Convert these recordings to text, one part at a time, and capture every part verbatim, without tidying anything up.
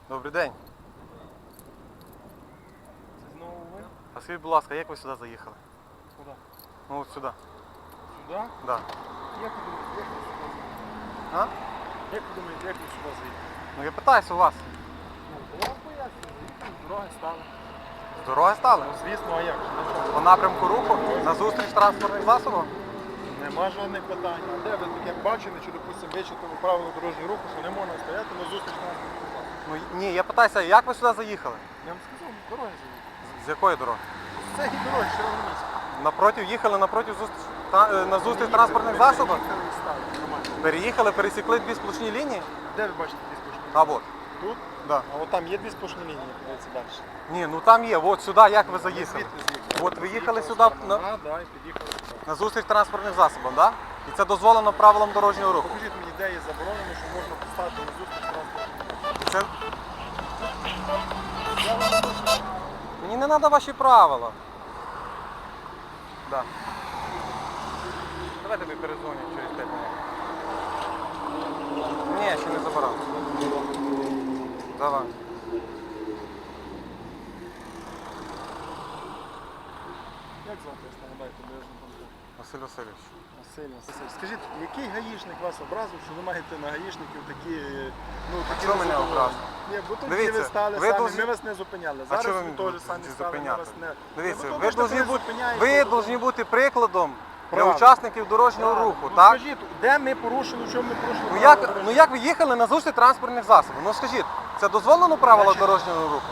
Добрий день. Це знову ви? А скажіть, будь ласка, як ви сюди заїхали? Куди? Ну от сюди. Сюди? Да. Як ви думаєте, як ви сюди заїхали? А? Як ви думаєте, як ви сюди заїхали? Ну я питаюся у вас. Ну, то вам пояснюю, заїхали, з дороги стали. З дороги стали? Ну, звісно, а як же? На чому? По напрямку руху? На зустріч транспортних засобів? Нема жодних питань. А де ви таке бачили, чи, допустимо, вичитали правила дорожнього руху, що не можна стояти на зустріч транспортних засобів? Ну ні, я питаюся, як ви сюди заїхали? Я вам сказав, з дороги заїхали. З, з якої дороги? З цієї дороги, Червономіська. Напротив, їхали напротив зустріч, та- е, на зустріч транспортних засобів? Переїхали і стали, нормально. Переїхали, пересікли дві сплошні лінії? Де ви бачите дві сплошні лінії? А от. Тут? Да. А от там є дві сплошні лінії, подивіться далі. Ні, ну там є, от сюди як ви заїхали? Звідти з'їхали. От ви їхали сюди на... на, А, да, і під'їхали сюди. на зустріч транспортних засобів, так? Да? І це дозволено правилам дорожнього руху. Покажіть мені, де є заборонено, що можна поставити на зустріч транспортних. Це... Мені не треба ваші правила. Да. Давайте тобі перезвоню через п'ять хвилин. Ні, ще не забирав. Давай. Як звати, я нагадаю, бо я ж не пам'ятаю. Василь Васильович. Василь Васильович. Скажіть, який гаїшник вас образив, що ви маєте на гаїшників такі, ну, такі чого мене незадоволені? образив? Ні, бо тут Дивіться, ви стали ви самі, должні- ми вас не зупиняли. А Зараз чого ви ви мене теж будете самі стали, ми зупиняти? вас не... Дивіться, Ну, ви тому що повинні ви бути, зупиняєте, ви то- повинні бути прикладом для Правильно. учасників дорожнього Правильно. руху, Ну, так? скажіть, де ми порушили, в чому ми порушили? Ну правила як, дорожнього ну як ви їхали на зустріч транспортних засобів? Ну скажіть, це дозволено правила Значить- дорожнього руху?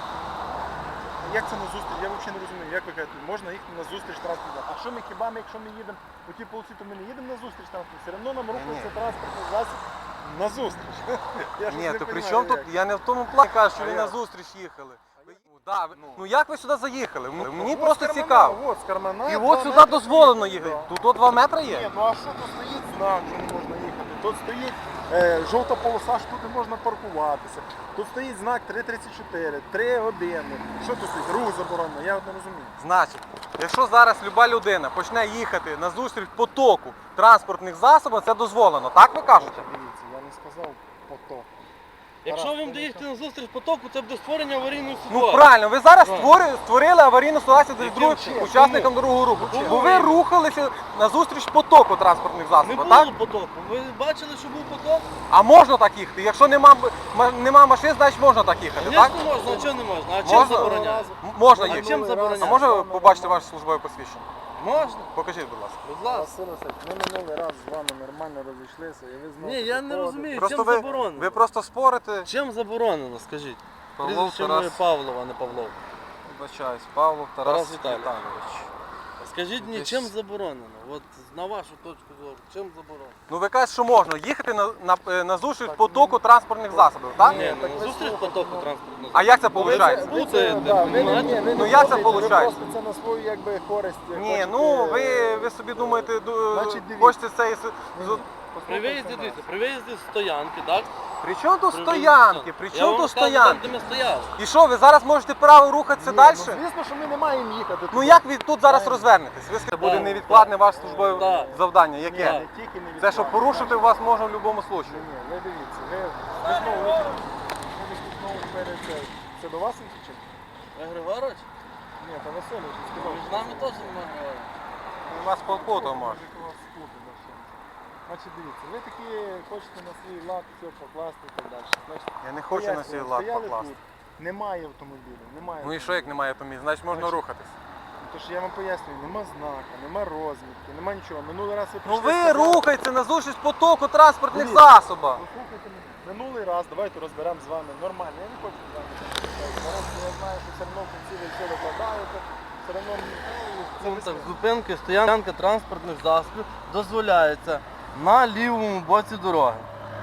Як це на зустріч? Я взагалі не розумію. Як ви кажете, можна їхати на зустріч транспорту? А що ми хіба ми, якщо ми їдемо у тій полосі, то ми не їдемо на зустріч транспорту? Все одно нам рухається транспортний засіб на зустріч. Я щось Ні, не то при понімаю, чому тут, як. я не в тому плані кажу, що А ви як? на зустріч їхали. Ви- Да, ви- Ну. ну як ви сюди заїхали? М- Мені От просто з кармана, цікаво. От, з кармана, І два от сюди метри дозволено стоїть. їхати. Да. Тут от два метри Ні, є? ну а що тут стоїть знак, що не можна їхати? Тут стоїть е, жовта полоса, що тут не можна паркуватися. Тут стоїть знак три тридцять чотири, три години. Що тут стоїть? Рух заборонено, я от не розумію. Значить, якщо зараз люба людина почне їхати на зустріч потоку транспортних засобів, це дозволено, так ви кажете? Дивіться, я не сказав поток. Якщо Тарас, ви ти доїхати не на зустріч потоку, це буде створення аварійної Ну ситуації. правильно, ви зараз Так. створили, створили аварійну ситуацію для Яким других чином? учасникам дорогого руху. Чому? Бо ви рухалися на зустріч потоку транспортних Не засобів, було так? потоку. Ви бачили, що був поток? А можна так їхати? Якщо нема, м- нема машин, значить можна так їхати, так? Звісно можна, а чого не можна? А чим Можна? забороняє? М- Можна А їхати. чим забороняє? А може ви побачити ваше службове посвідчення? Можна. Покажіть, будь ласка. Будь ласка. Василь Васильович, ми минулий раз з вами нормально розійшлися, і ви знову Ні, я не приходите. розумію. Просто чим ви, заборонено? ви просто спорите. Чим заборонено, скажіть? Павлов Прізвище Тарас. моє Павлов, а не Павлов. Вибачаюсь, Павлов Тарас Тарас Віталійович. Віталійович. Скажіть мені, Десь- чим заборонено? От на вашу точку зору, чим заборонено? Ну ви кажете, що можна їхати на, на, е, на зустріч потоку транспортних засобів, так? Ні, так ну, ви зустріч слухайте, потоку ну. транспортного. А як це Ну, ви виходить? це- ви це- Путаєте, да, ви не- понімаєте? ні, ви не Ну, як це путаєте, ви виходить? просто це на свою якби користь. Ні, хочете- ну ви, ви собі думаєте, ду- Значить, дивіться. хочете цей... з- Ні, з- ні, При послухайте виїзді, нас. дивіться, при виїзді з стоянки, так? При чому тут При стоянки? виїзді- При Я чому вам тут сказав, стоянки? Там, де ми стояли. І що, ви зараз можете право рухатися Ні, далі? Ну, звісно, що ми не маємо їхати. Ну туди. як ви тут зараз Правильно. розвернетесь? Ви скажете, буде Так, невідкладне так. ваше службове Так. завдання. Ні, Яке? Так. не тільки не Це що відкладно. порушити вас можна в будь-якому Ні, случаю. ні, ви дивіться, ви, ви знову ви, ви знову перед це. Це до вас він чи? Ви Григорович? Ні, це Васильович він сказав. Між нами теж немає Григорович. У вас полпоту може. Може, у вас сплутав, да, ще. Значить, дивіться, ви такі хочете на свій лад все покласти і так далі. Значить, Я не хочу на свій пояснюю, лад стояли покласти. тут, немає автомобілів, немає. Ну і що, як немає автомобіля? Значить можна Значить, рухатись. Ну, то ж я вам пояснюю, нема знака, нема розмітки, нема нічого. Минулий раз ви Ну прийшли, ви сказали- рухаєтеся на зустріч потоку транспортних Дивіться. засобів. Ну, слухайте мене. Минулий раз давайте розберемо з вами нормально. Я не хочу з вами розбиратися. Зараз я знаю, що все одно в кінці ви все викладаєте. Все одно ну, це Ну, ви так, скажете. зупинки, стоянка транспортних засобів дозволяється на лівому боці дороги.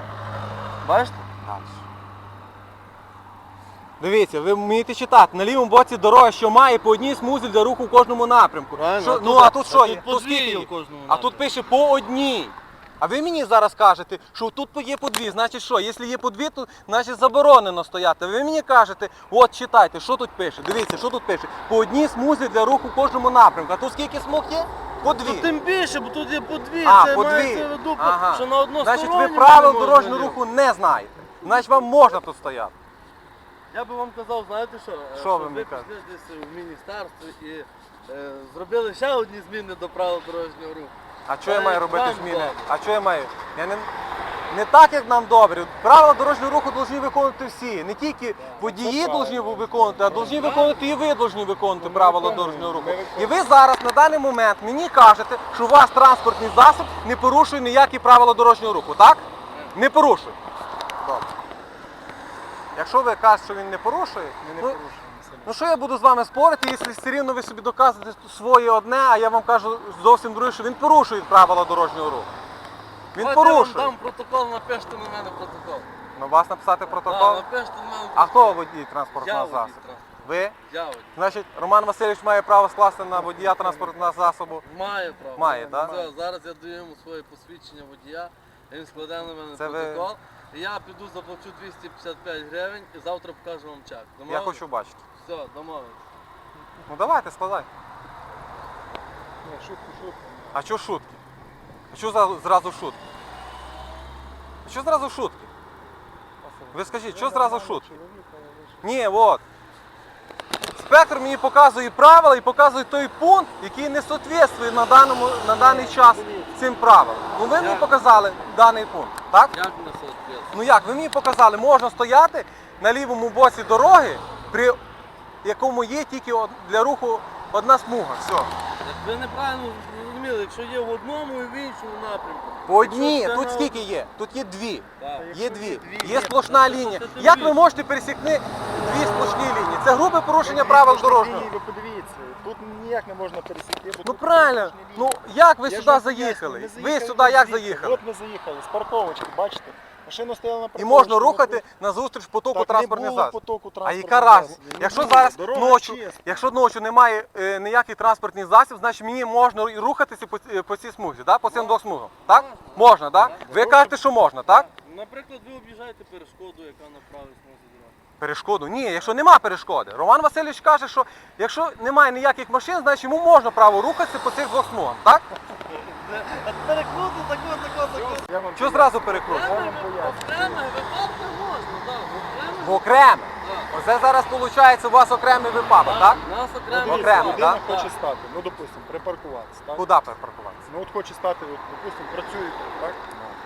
Бачите? Дивіться, ви вмієте читати. На лівому боці дороги, що має по одній смузі для руху в кожному напрямку. Правильно, Що- а ну тут- а тут що а є? тут Тут скільки подвір'я є? в кожному А тут напрямку. пише по одній. А ви мені зараз кажете, що тут є по дві. Значить що, якщо є по дві, то значить заборонено стояти. Ви мені кажете, от читайте, що тут пише. Дивіться, що тут пише. По одній смузі для руху в кожному напрямку. А тут скільки смуг є? По дві. Ну, тим більше, бо тут є по дві, А, це по дві. мається в виду, Ага. що на одну Значить, ви сторону правил не можна дорожнього їхати. руху не знаєте. Значить, вам можна тут стояти. Я би вам казав, знаєте що? Е, Що ви щоб мені ви кажете? пішли десь в міністерство і е, зробили ще одні зміни до правил дорожнього руху. А що я Та маю як робити вам зміни? добре. А що я маю? Я не, не так, як нам добре. Правила дорожнього руху повинні виконувати всі. Не тільки водії це повинні правильно. виконувати, а повинні виконувати і ви повинні виконувати ми правила виконуємо, дорожнього руху. ми І виконуємо. ви зараз на даний момент мені кажете, що ваш транспортний засіб не порушує ніякі правила дорожнього руху, так? Не порушує. Добре. Якщо ви кажете, що він не порушує, Ми не ну, порушуємо. Сергій. ну що я буду з вами спорити, якщо все рівно ви собі доказуєте своє одне, а я вам кажу зовсім друге, що він порушує правила дорожнього руху. Він Давайте я вам порушує. дам протокол, напишіть на мене протокол. На вас написати Так, протокол? напишіть на мене А протокол. хто водій Я транспортного водій засобу? транспорту. Ви? Я водій. Значить, Роман Васильович має право скласти на водія транспортного засобу. Має право. Має, так? Все, зараз я даю йому своє посвідчення водія, він складе на мене Це ви- протокол. І я піду заплачу двісті п'ятдесят п'ять гривень і завтра покажу вам чек. Я Домовились? хочу бачити. Все, домовились. Ну давайте, складай. Ні, шутку, шутку. А що шутки? А що за- зразу шутки? А що зразу шутки? Ви скажіть, що зразу шутки? Ні, от. Спектр мені показує правила і показує той пункт, який не відповідає на, даному, на даний час цим правилам. Ну ви мені Як? показали даний пункт, так? Як на соцпец? Ну як, ви мені показали, можна стояти на лівому боці дороги, при якому є тільки од- для руху одна смуга. Все. Як ви неправильно зрозуміли, якщо є в одному і в іншому напрямку. По одній, Якщо це тут на- скільки є? Тут є дві. Так. Є Якщо дві. є дві, Є є, сплошна то лінія. це ти Як ви дві. можете пересікти дві сплошні лінії? Це грубе порушення Ви правил пішли дорожнього. лінії, Ви подивіться, тут ніяк не можна пересікти. бо Ну тут правильно. сплошні Ну лінії. як ви Я ж сюди вам заїхали? поясню, ми Ви заїхали сюди як звідси. заїхали? От ми заїхали, з парковочки, бачите? Машина стояла на І парковочці. можна ми рухати тут- назустріч потоку Так, транспортних не було засобів. потоку А транспортних яка разниця? засобів. Не Якщо було. зараз Дорога ночі, чиста. якщо ночі немає е, ніяких транспортних засіб, значить мені можна і рухатися по, е, по цій смузі, да? по цим двох смугам. Так? Можна, так? Ви кажете, що можна, так? Наприклад, ви об'їжджаєте перешкоду, яка на правій смузі дороги. Перешкоду? Ні, якщо нема перешкоди. Роман Васильович каже, що якщо немає ніяких машин, значить йому можна право рухатися по цих двох смугам, так? А перекруту, тако, тако, тако. Я вам Що поясню. зразу перекручує? Я вам поясню. Окремих випадках можна, так. В окреме. Так. Оце зараз виходить у вас окремий випадок, так? У нас Ну, окремий дивіться, Окремо, людина так? хоче Так. стати, ну допустимо, припаркуватися, так? Куди перепаркуватися? Ну от хоче стати, от, допустимо, працює тут, так?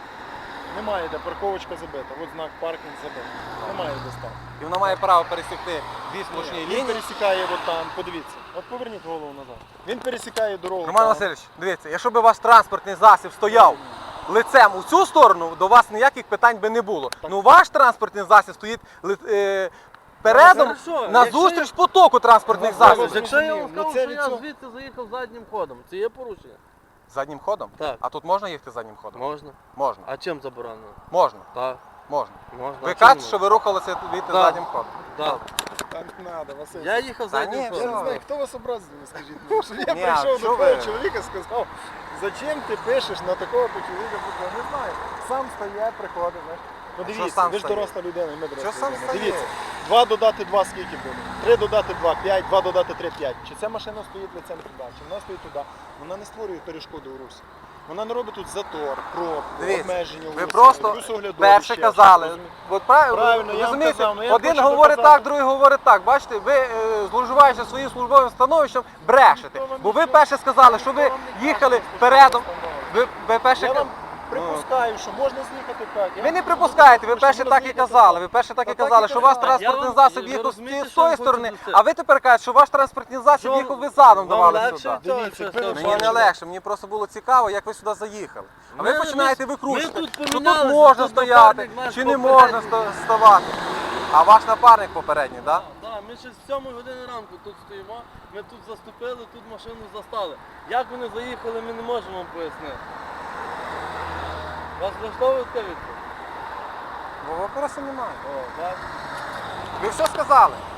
Немає де, парковочка забита, от знак паркінг забитий. Немає де стати. І вона має право пересікти дві сплошні Він лінії. пересікає от там, подивіться. От поверніть голову назад. Він пересікає дорогу. Роман там. Васильович, дивіться, якщо б ваш транспортний засіб стояв лицем у цю сторону, до вас ніяких питань би не було. Ну ваш транспортний засіб стоїть ли- е, передом Хорошо, на якщо зустріч потоку транспортних Ну, засобів. добре. Якщо я вам Ну, скажу, це що від я цього- звідси заїхав заднім ходом, це є порушення? Заднім ходом? Так. А тут можна їхати заднім ходом? Можна. Можна. А чим заборонено? Можна. Так, Можна. можна. Ви А чим кажете, не що ви рухалися від Так. заднім ходом. можна? Так. Так не треба, Василь. Я їхав Та заднім ні, Я ходом. не знаю, хто вас образив, мені скажіть. мені, Що я Ні, прийшов а до що того ви? чоловіка і сказав, зачем ти пишеш на такого чоловіка? Я не знаю. Сам стає, приходить, знаєш. Ну А що дивіться, сам ви ж стає? доросла людина, і ми доросла Що сам людина. стає? Дивіться, два додати два скільки буде? Три додати два, п'ять, два додати три, п'ять. Чи ця машина стоїть лицем туди, чи вона стоїть туди? Вона не створює перешкоди у русі. Вона не робить тут затор, пробку, Дивіться, обмеження у ви русі, просто плюс оглядові перше ще, казали. розумієте? От правильно, Правильно, я вам розумієте, казав, ну я один хочу говорить доказати. так, другий говорить так. Бачите, ви е, зловживаючи своїм службовим становищем, брешете. Ніхто вам Бо ви нічого- перше сказали, що ви ніхто вам не каже, їхали що передом. постанова. Ви, ви перше Я ка- вам припускаю, що можна з'їхати так. Я ви не вам припускаєте, ви кажу, що перше можна так і з'їхати казали. так. Ви перше так і Та так і казали, що ваш казали. транспортний Я вам- засіб ви їхав з розумієте, з що я тої хочу сторони, донести? а ви тепер кажете, що ваш транспортний засіб Що їхав ви задом вам давали легше? сюди. Що, Дивіться, що, ви що, Мені не що? легше, мені просто було цікаво, як ви сюди заїхали. А ви Ми- починаєте ми- викручувати, ми тут що тут помінялися, можна тут стояти, напарник наш чи не попередній. можна ста- ставати. А ваш напарник попередній, так? Так, так, ми ще з сьомої години ранку тут стоїмо, ми тут заступили, тут машину застали. Як вони заїхали, ми не можемо вам пояснити. Вас влаштовує така відповідь? Бо вопросу немає. О, так. Ви все сказали.